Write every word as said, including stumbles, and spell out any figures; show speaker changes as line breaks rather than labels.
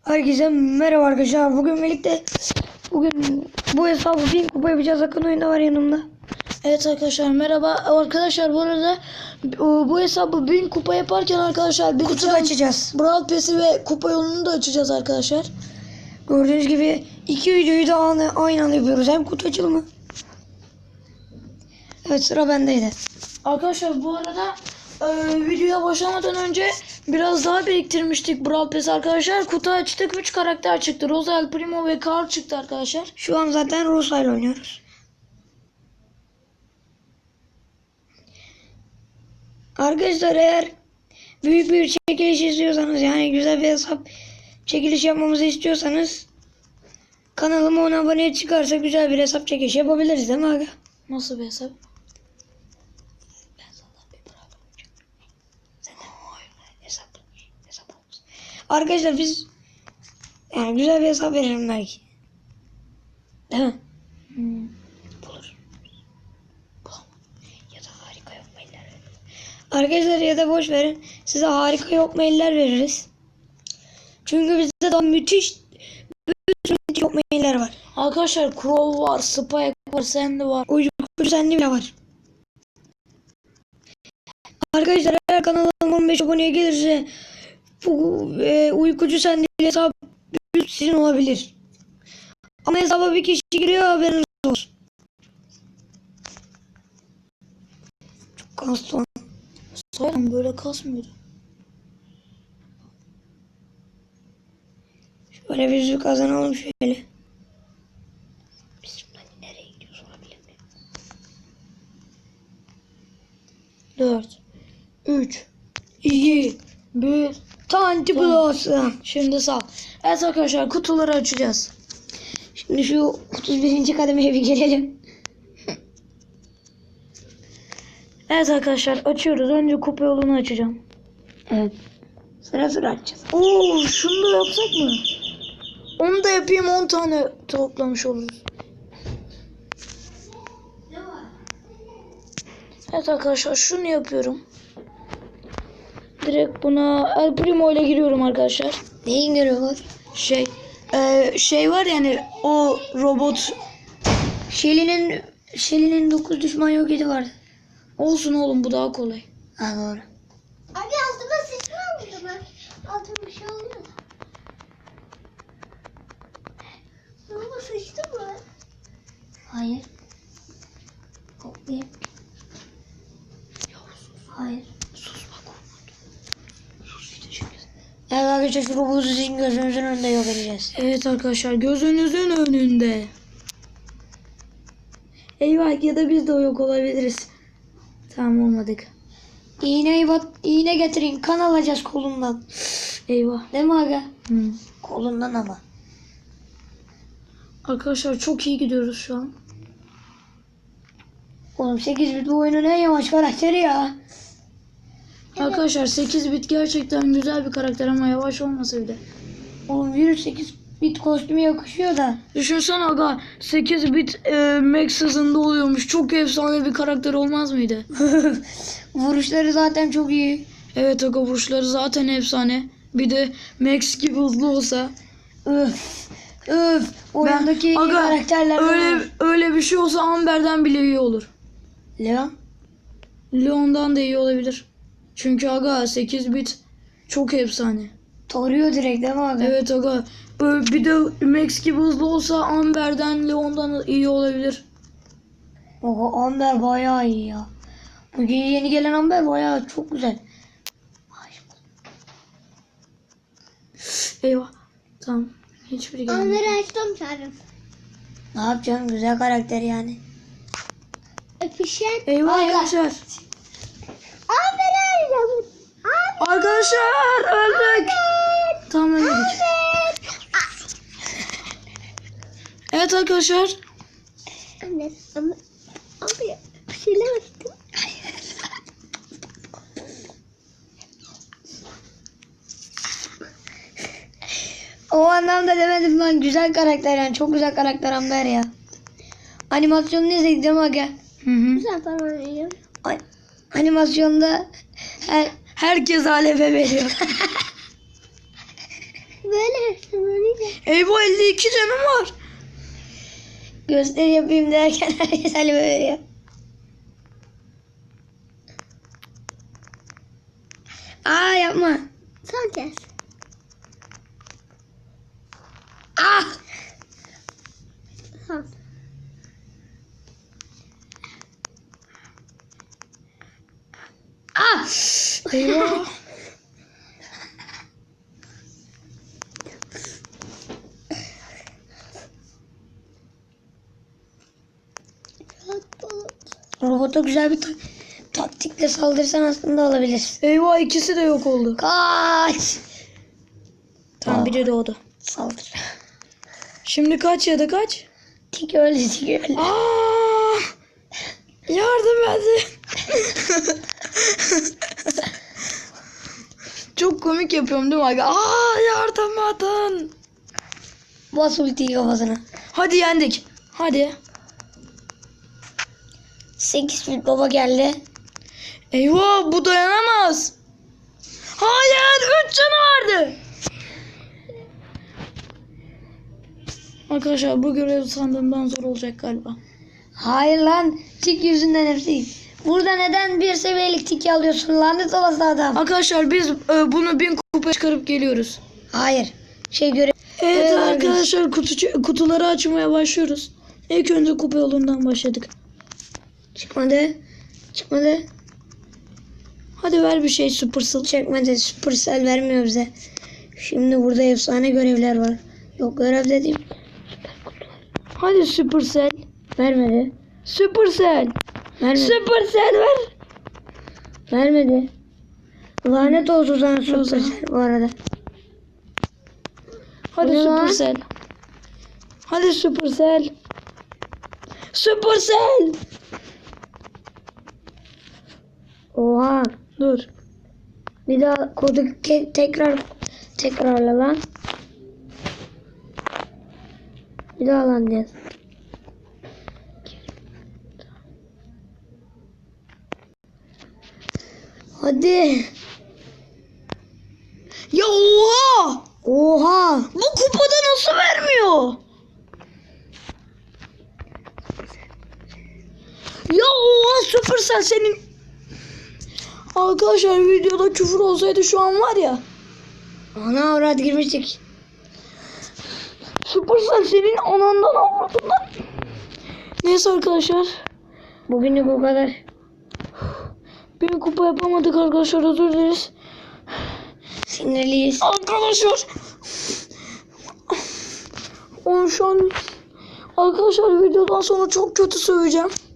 Herkese merhaba arkadaşlar. Bugün birlikte bugün bu hesabı bin kupa yapacağız. Akın oyunda var yanımda.
Evet arkadaşlar merhaba. Arkadaşlar bu arada bu hesabı bin kupa yaparken arkadaşlar bir
Kutu da açacağız.
Brawl Pass'i ve kupa yolunu da açacağız arkadaşlar.
Gördüğünüz gibi iki videoyu da aynı, aynı anda yapıyoruz. Hem kutu açılımı. Evet, sıra bendeydi.
Arkadaşlar bu arada e, videoya başlamadan önce biraz daha biriktirmiştik Brawl Pass arkadaşlar. Kutu açtık, üç karakter çıktı. Rosa, El Primo ve Carl çıktı arkadaşlar.
Şu an zaten Rosa ile oynuyoruz. Arkadaşlar eğer büyük bir çekiliş istiyorsanız, yani güzel bir hesap çekiliş yapmamızı istiyorsanız kanalıma on abone çıkarsa güzel bir hesap çekiliş yapabiliriz değil mi aga?
Nasıl bir hesap?
Ben sana bir bravo olacağım. Sen de hesap, hesap olsun. Arkadaşlar biz yani güzel bir hesap veririm belki. Değil mi?
Hmm.
Bulur. Ya da harika yok mailler veririz. Arkadaşlar ya da boş verin. Size harika yok mailler veririz. Çünkü bizde daha müthiş müthiş yok mailler var.
Arkadaşlar Crow var, Spike var, Sandy var.
Uykucu sende bile var. Arkadaşlar eğer kanalım on beş aboneye gelirse bu e, uykucu sende hesap sizin olabilir. Ama hesaba bir kişi giriyor, haberiniz olsun. Çok kastı.
Sayın böyle kasmıyordu.
Şöyle bir yüzük kazanalım şöyle. Biz şimdi nereye gidiyoruz onu bilemiyorum.
dört, üç, iki, bir.
Tanti Blossom.
Şimdi sağ. Evet arkadaşlar kutuları açacağız.
Şimdi şu otuz birinci kademeye bir gelelim.
Evet arkadaşlar açıyoruz. Önce kupa yolunu açacağım.
Evet. Sıra sıra açacağız.
Oo, şunu da yapsak mı? Onu da yapayım, on tane toplamış oluruz. Evet arkadaşlar şunu yapıyorum. Direkt buna El Primo ile giriyorum arkadaşlar.
Neyin görüyorlar?
Şey e, şey var yani o robot.
Shelly'nin Shelly'nin dokuz düşman yok edi vardı.
Olsun oğlum, bu daha kolay.
Ha doğru.
Abi altıma sıçma oldu mu? Altıma bir şey oluyor da. Altıma sıçtı mı?
Hayır. Koklayayım. Hayır.
Sus bak. Sus işte.
Evet arkadaşlar şu robotu sizin gözünüzün önünde yok edeceğiz.
Evet arkadaşlar gözünüzün önünde. Eyvah, ya da biz de yok olabiliriz. Tamam, olmadık.
İğneyi bat, iğne getirin, kan alacağız kolundan.
Eyvah.
Değil mi aga?
Hmm.
Kolundan ama.
Arkadaşlar çok iyi gidiyoruz şu an.
Oğlum sekiz bit bu oyunun en yavaş karakteri ya.
Arkadaşlar sekiz bit gerçekten güzel bir karakter ama yavaş olmasa bile.
Oğlum virüs sekiz bit kostümü yakışıyor da.
Düşünsene aga, sekiz bit e, max hızında oluyormuş. Çok efsane bir karakter olmaz mıydı?
Vuruşları zaten çok iyi.
Evet aga, vuruşları zaten efsane. Bir de max gibi hızlı olsa.
Öf. Öf. Oyundaki en iyi
aga,
karakterlerden
öyle,
var.
öyle bir şey olsa Amber'den bile iyi olur.
Leon.
Leon'dan da iyi olabilir. Çünkü aga sekiz bit çok efsane.
Toruyor direkt değil mi abi?
Evet aga. Böyle bir de max gibi hızlı olsa Amber'den, Leon'dan iyi olabilir.
Oha, Amber bayağı iyi ya. Bugün yeni gelen Amber bayağı çok güzel.
Eyvah. Tamam. Hiçbiri gelmedi.
Onları açtım çağırım.
Ne yapacaksın? Güzel karakter yani.
Öpüşen.
Eyvah
Aga.
arkadaşlar.
Abi ben arayacağım. Abi.
Arkadaşlar öldük. Tamam, öldük. Evet arkadaşlar.
Anne. Ama. Abi bir şeyler açtım.
O anlamda demedim lan, güzel karakter yani, çok güzel karakter Amber ya. Animasyonunu izledik değil mi aga?
Hı hı.
Güzel para arayacağım.
An- animasyonda her, herkes aleve veriyor.
Böyle sen öyle.
Eyvah elli iki canım var.
Gösteri yapayım derken herkes Ali veriyor. Aa yapma.
Son kez.
Ah.
Son.
Ah.
Eyvah.
Rahat ol.
Robota güzel bir ta- taktikle saldırırsan aslında alabilirsin.
Eyvah ikisi de yok oldu.
Kaç.
Tamam biri doğdu.
Saldır.
Şimdi kaç ya da kaç?
Tik öldü, tik öldü.
Aa! Yardım edin. Çok komik yapıyorum değil mi? Aga? Aa yardım edin.
Bas ultiyi kafasına.
Hadi yendik. Hadi.
sekiz fit baba geldi.
Eyvah bu dayanamaz. Hayır üç canı vardı. Arkadaşlar bu görev sandığımdan zor olacak galiba.
Hayır lan, tik yüzünden hepsi. Burada neden bir seviyelik tik alıyorsun lanet olası adam?
Arkadaşlar biz e, bunu bin kupa çıkarıp geliyoruz.
Hayır. Şey göre.
Evet
Evet,
arkadaşlar kutu, kutuları açmaya başlıyoruz. İlk önce kupa yolundan başladık.
Çıkmadı. Çıkmadı.
Hadi ver bir şey Supercell.
Çekmedi. Supercell vermiyor bize. Şimdi burada efsane görevler var. Yok görev dediğim.
Hadi Supercell.
Vermedi.
Supercell.
Vermedi.
Supercell ver.
Vermedi. Lanet olsun sana
O zaman.
Supercell bu arada.
Hadi
Bu ne lan?
Supercell. Hadi Supercell. Supercell.
Oha.
Dur.
Bir daha kodu ke- tekrar tekrarla lan. Bir daha lan diye. Hadi.
Ya oha.
Oha.
Bu kupada nasıl vermiyor? Ya oha Supercell senin. Arkadaşlar videoda küfür olsaydı şu an var ya.
Ana avrat girmiştik.
Supercell senin anandan avradından. Neyse arkadaşlar.
Bugünlük bu kadar.
Bir kupa yapamadık arkadaşlar, özür dileriz.
Sinirliyiz.
Arkadaşlar. Onu şu an arkadaşlar videodan sonra çok kötü söveceğim.